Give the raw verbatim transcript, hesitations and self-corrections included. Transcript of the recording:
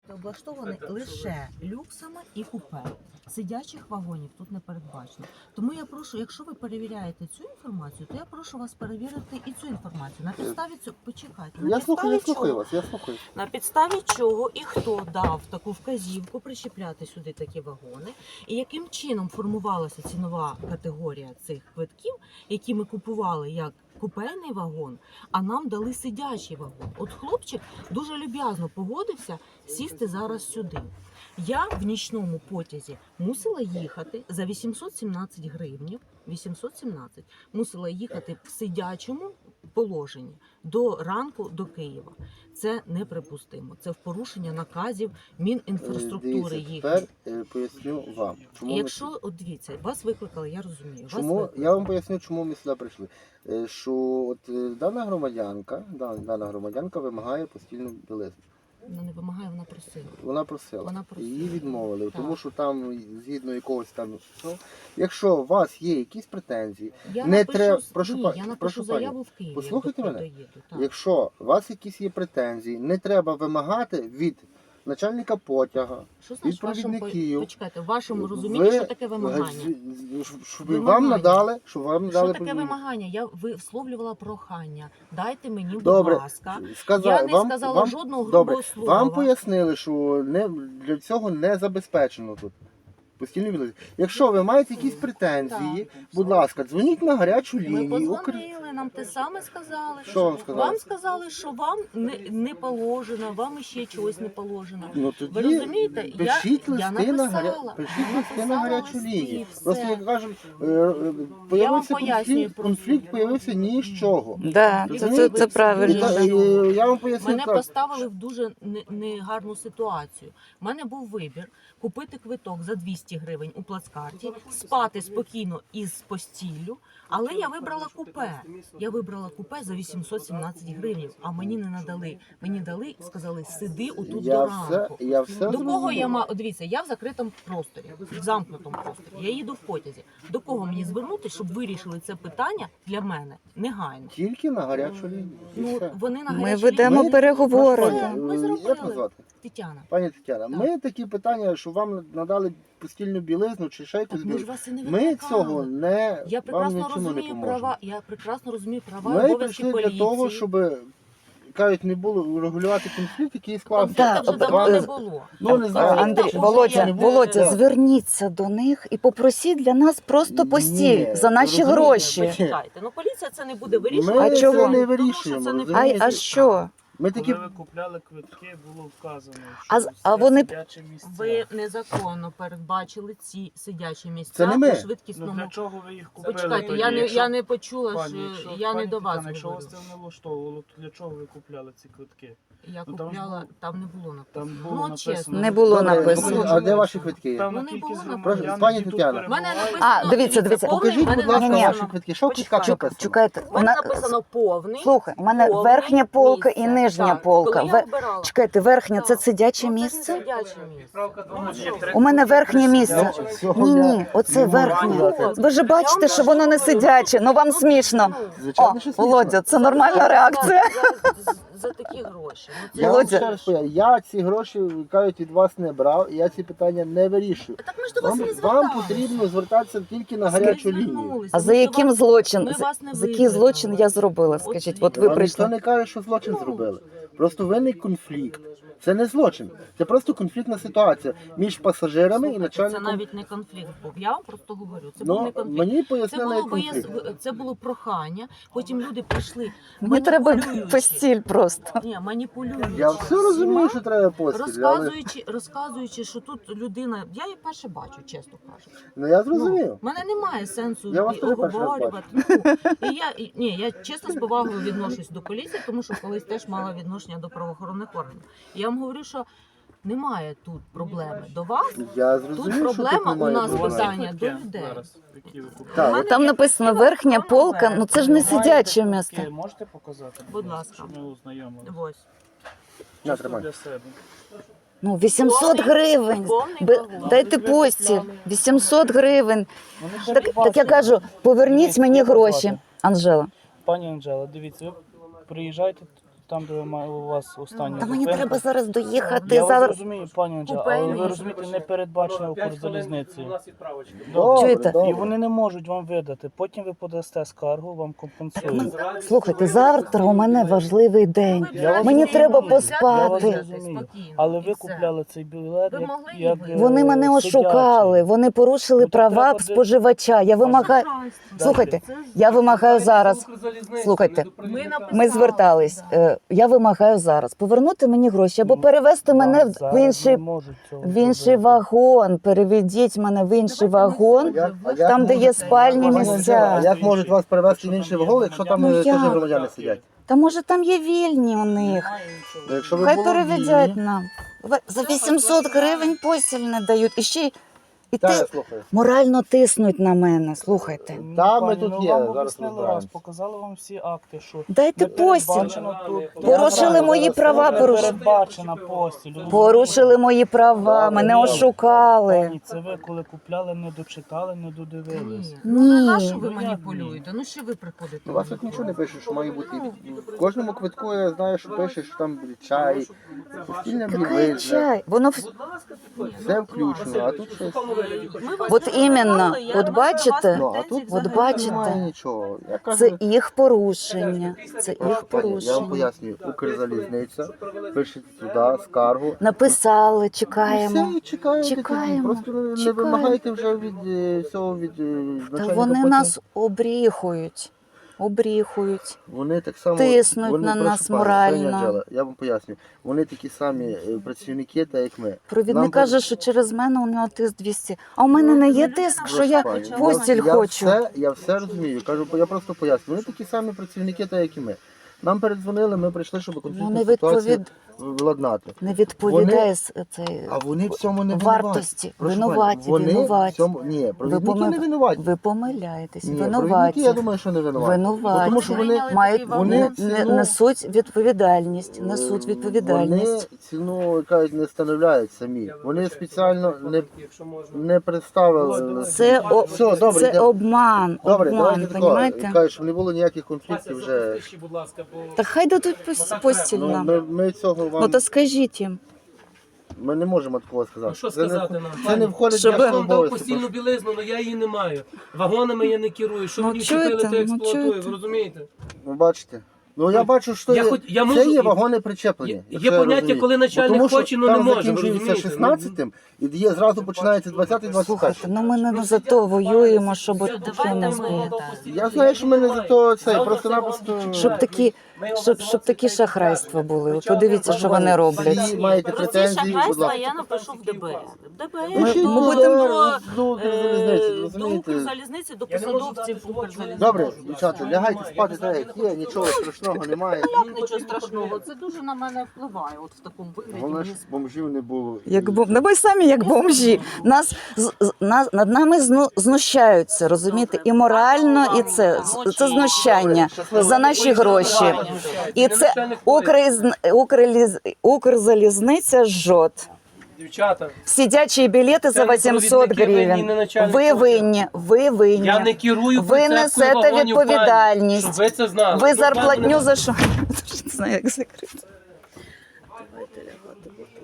облаштований лише люксами і купе. Сидячих вагонів тут не передбачено. Тому я прошу, якщо ви перевіряєте цю інформацію, то я прошу вас перевірити і цю інформацію. На підставі цього, почекайте. На Я слухаю, я підставі слухаю чого- вас, я слухаю. На підставі чого і хто дав таку вказівку причіпляти сюди такі вагони, і яким чином формувалася цінова категорія цих квитків, які ми купували як купейний вагон, а нам дали сидячий вагон. От хлопчик дуже люб'язно погодився сісти зараз сюди. Я в нічному потязі мусила їхати за вісімсот сімнадцять гривнів, вісімсот сімнадцять, мусила їхати в сидячому положенні до ранку до Києва. Це неприпустимо. Це в порушення наказів Мінінфраструктури Дивіться, їх. тепер е, поясню вам. Чому І ми якщо, от дивіться, вас викликали, я розумію. Вас Чому викликали. я вам поясню, чому ми сюди прийшли? Е, Що от е, дана громадянка, да- дана громадянка вимагає постільну білизну. Вона не вимагає, вона просила. Вона просила. Вона просила. Її відмовили, Так. тому що там згідно якогось там. Ну, якщо у вас є якісь претензії, Я Не напишу, треба- з- прошу ні, пані, я напишу прошу заяву пані. в Києві. Послухайте як мене. доїду, так. якщо у вас якісь є претензії, не треба вимагати від начальника потяга. Що значить від в вашому, провідників. почекайте, в вашому розумінні, що таке вимагання? Щоб Вимагання. вам надали, щоб вам Що надали таке провідник. вимагання? Я висловлювала прохання. Дайте мені, будь Добре, ласка. Сказав, Я не вам, сказала вам, жодного добре, грубого слова. вам пояснили, що не, для цього не забезпечено тут. Постільні білизни. Якщо ви маєте якісь претензії, Так. будь ласка, дзвоніть на гарячу Ми лінію. Укр- подзвонили, нам те саме сказали. Що вам сказали? Вам сказали, що вам не, не положено, вам ще чогось не положено. Ну, Ви тоді розумієте, я- пишіть я листи на гаря... написала. пишіть Я листи на написала гарячу листи, лінію. все. Просто як кажуть, е, е, появився пояснюю конфлікт, просто. конфлікт появився ні з чого. Да, це, це, це І правильно. та- і я вам поясню Мене так. поставили в дуже не- негарну ситуацію. У мене був вибір купити квиток за двісті гривень у плацкарті, спати спокійно із постіллю, але я вибрала купе. Я вибрала купе за вісімсот сімнадцять гривень, а мені не надали. Мені дали, сказали, сиди отут Я до все, ранку. я все До кого зрозумів. я маю? Дивіться, я в закритому просторі, в замкнутому просторі. Я їду в потязі. До кого мені звернутися, щоб вирішили це питання для мене негайно? Тільки на гарячу лінію. І Ну все. вони на Ми гарячій ведемо лінії- переговори. Це да. ми Е, зробили. Як вас звати? Тетяна. Пані Тетяна, Так. ми такі питання, що вам надали постільну білизну чи ще якусь Так ми ж білизну, вас і не ми викликали. цього не Я вам прекрасно нічому не розумію поможемо. права. Я прекрасно розумію права і Ми обов'язки прийшли поліції. для того, щоб кажуть, не було регулювати конфлікт, який склався. Конфлікту вже Так, давно е, не було. Ну не знаю. Андрій, Вже Володя, є. Володя, Так. зверніться до них і попросіть для нас просто Ні, постіль за наші розумієте, гроші. Почекайте, ну поліція це не буде вирішувати. А Ми чого? це не Тому що вирішуємо. це не А, розумієте? а що? Ми такі Коли ви купляли квитки, було вказано, що А з- це а вони- сидячі місця. Ви незаконно передбачили ці сидячі місця Це не ми. по Ну швидкісному. для чого ви їх купили? Почекайте, тоді, я не якщо- я не почула, Пані, що якщо- я не пані до вас Тетяна, якщо вас говорю. це не влаштовувало, то для чого ви купляли ці квитки? Я Ну, там ж купляла, було- там не було написано. Там було Ну, от написано. чесно. Не було Добре, написано. А де ваші квитки? Певна Ну, не кількість було громадян, написано. Пані які тут Тетяно. У мене перебувають. написано, А, дивіться, дивіться. повний, Покажіть, в мене будь ласка, Ні, ні. ваші квитки. Що в квитках Почекайте. написано? Чекайте, У мене вона... написано повний. Слухай, у мене повний верхня полка і місце. нижня Так, полка. коли я Ве- обирала. Чекайте, верхня це Так. сидяче Ну, це місце? сидяче місце. Ну, є три У мене верхнє місце. Цього Ні, я ні, оце не можу верхнє. сказати. Ви ж бачите, що воно не сидяче, ну вам смішно. О, Звичайно, що смішно. Володя, це нормальна реакція. За, за такі гроші. Ну, це Я вам Володя. ще раз поясню, я ці гроші, кажуть, від вас не брав, і я ці питання не вирішую. Так ми ж до вас Вам, не вам зверталися. потрібно звертатися тільки на гарячу лінію. А за яким злочин? Ми За, вас не за який викликали. злочин я зробила? Скажіть, от ви Вам ніхто прийшли. не каже, що злочин Ну. зробили. Просто виник конфлікт. Це не злочин, це просто конфліктна ситуація між пасажирами і Це начальником. навіть не конфлікт був. Я вам просто говорю. Це був не Ну, конфлікт. мені Це пояснили було як конфлікт. вияс... це було прохання. Потім люди прийшли. Мені треба маніпулюючи. постіль просто. Ні, маніпулюючи. Я все розумію, всіма, що треба постіль, але Розказуючи, розказуючи, що тут людина, я її перше бачу, чесно кажучи. ну я Ну, зрозумів. в мене немає сенсу Я вас і теж перший раз оговорювати. Ну, і я, і, ні, я чесно з повагою відношусь до поліції, тому що колись теж мала відношення до правоохоронних органів. І я вам говорю, що немає тут проблеми до вас. Я зрозумів, що проблема тут немає у нас У вас є питання квитки до людей. зараз, які ви купили? Так, У мене Там є написано квитки верхня на полка, ну це ж не Ви маєте сидяче квитки? місце. Можете показати? Будь ласка. Щоб ми ознайомилися. Ось. На, Чисто тримай. для себе. Ну, вісімсот Повний- гривень. повний Бе- вагон. Дайте постіль. вісімсот гривень. Вони Так, так я передбачені. кажу, поверніть Дивіться, мені як вас гроші. звати? Анжела. Пані Анжела, дивіться, ви приїжджаєте там, де ви ма- у вас остання Та мені зупинка. треба зараз доїхати. Я вас Зараз розумію, пані Анджела, Купейний. але ви розумієте, не передбачено Укрзалізницею. Добре, Чуєте? добре. І вони не можуть вам видати. Потім ви подасте скаргу, вам компенсують. слухайте, завтра у мене важливий день. Я вас Мені розумію. треба Я вас поспати. розумію. Але ви купляли цей білет, Ви як, могли як її е, Вони мене ошукали, сидячий. вони порушили Ну, то права треба де- споживача. Я вимагаю. Слухайте, я вимагаю зараз. Слухайте, ми звертались. Е, Я вимагаю зараз повернути мені гроші або перевести мене Вам в- в зараз інший не можуть цього в інший зробити. вагон. Переведіть мене в інший вагон, Як- а як там, де є можуть- спальні Пані Анжела, місця. а як можуть вас перевезти в інший вагон, якщо там Ну, е, теж як? громадяни сидять? Та може там є вільні у них. Ну, Якщо ви Хай були переведять вільні- нам. Ви- За вісімсот гривень постіль не дають. І ще й- і Та, я ти слухаю. морально тиснуть на мене. Слухайте. Ні, Та, ми пані, тут ну, є, вам зараз об'яснили раз, розбираємось. показали вам всі акти, що Дайте не постіль. передбачено тут. Порушили Я мої зараз права, не порушили. Передбачена постіль. Порушили мої права, мене ошукали. Пані, це ви коли купляли, не дочитали, не додивились. Ні. Ну на на що Ні. ви Ну, як маніпулюєте? Ну що ви приходите? У вас тут нічого не пише, що має бути. В кожному квитку я знаю, що пише, що там чай, постільна Який білизна, чай? Воно вс- все включено, а тут щось. Ми вас От не іменно, питали, я от до бачите? вас Ну, а претензій тут От взагалі бачите? немає. немає нічого. Я кажу, це їх порушення. Це їх пані, я вам порушення. пояснюю, Укрзалізниця, пишете туди скаргу. Написали, І чекаємо. все, і чекаєте тоді. Чекаємо, Просто не чекаємо. вимагайте вже від е, цього від е, Та начальника вони потім. нас обріхують. Обріхують. Вони так само Тиснуть вони, на прошу нас пані, морально. пані Анжела, я вам поясню. Вони такі самі е, працівники, так як ми. Провідник Нам каже, що через мене у нього тиск двісті. А у мене не є тиск, що я Прошу пані, постіль я, хочу. Я все, я все розумію. Кажу, я просто поясню. Вони такі самі працівники, так як і ми. Нам передзвонили, ми прийшли, щоб Ну, конфліктну не ситуацію відповід... владнати. не відповідає с- цей А вони в цьому не вартості. винуваті. Прошу Винуваті, пані, вони винуваті. В цьому... Ні, провідники помил- не винуваті. Ви помиляєтесь. Ні, Винуваті. провідники, я думаю, що не винуваті. Винуваті. Тому що вони, мають вони не- не- ціну- несуть відповідальність. Несуть Вони відповідальність. ціну кажуть, не встановляють самі. Вони спеціально не, не представили. Це, о... Все, добре, це йдемо. обман. Добре, обман, давайте тако. понімаєте? Кажуть, щоб не було ніяких конфліктів вже. Та хай дадуть пос- постіль Ну, нам. ми, ми цього вам Ну то скажіть їм. ми не можемо такого сказати. Ну, що Це не- сказати нам, Це не пані? входить Щоб- в Я наші вам дав обов'язки. постільну білизну, але я її не маю. Вагонами я не керую. Що Ну, мені чуєте, чіпили, то ну, експлуатую, чуєте. ви розумієте? Ви бачите? Ну я бачу, що Я є, хоч- я це можу- є вагони причеплені. Є- якщо є я поняття, розумію. коли начальник Бо тому, що хоче, ну, там не може, ви закінчується розумієте? шістнадцятим і є зразу починається двадцятий двадцять Слухайте, перший. ну ми не за то воюємо, щоб от таке Давайте нас ми, було. так. Я знаю, що ми не за то це, просто-напросто. Щоб такі, щоб, щоб такі шахрайства були. От подивіться, що вони роблять. Всі маєте Про ці претензії, будь шахрайства ласка. я напишу в ДБР. В ДБР Ми- Пишіть ми до будемо- ДБР, до Укрзалізниці, е, до розумієте? Укрзалізниці, до Я не можу посадовців дати Укрзалізниці. Добре, дівчата, лягайте спати так, як є, нічого страшного немає. Як нічого страшного, це дуже на мене впливає, от в такому вигляді. Головне, Мені щоб бомжів не було. Як бом... ну, ми самі як бомжі. Нас, з- з- нас над нами зну... знущаються, розумієте? І морально, і це, з- це знущання за наші гроші. І це Укріз... Укрліз... Укрзалізниця жжет. Дівчата, Сидячі білети за Це не вісімсот провідники винні, не гривень. начальник Ви служби. винні, ви винні. я не керую Ви процесом несете вагонів, пані, відповідальність. щоб ви це знали. Ви Ну, пані, зарплатню за що? Не знаю, як закрити. Давайте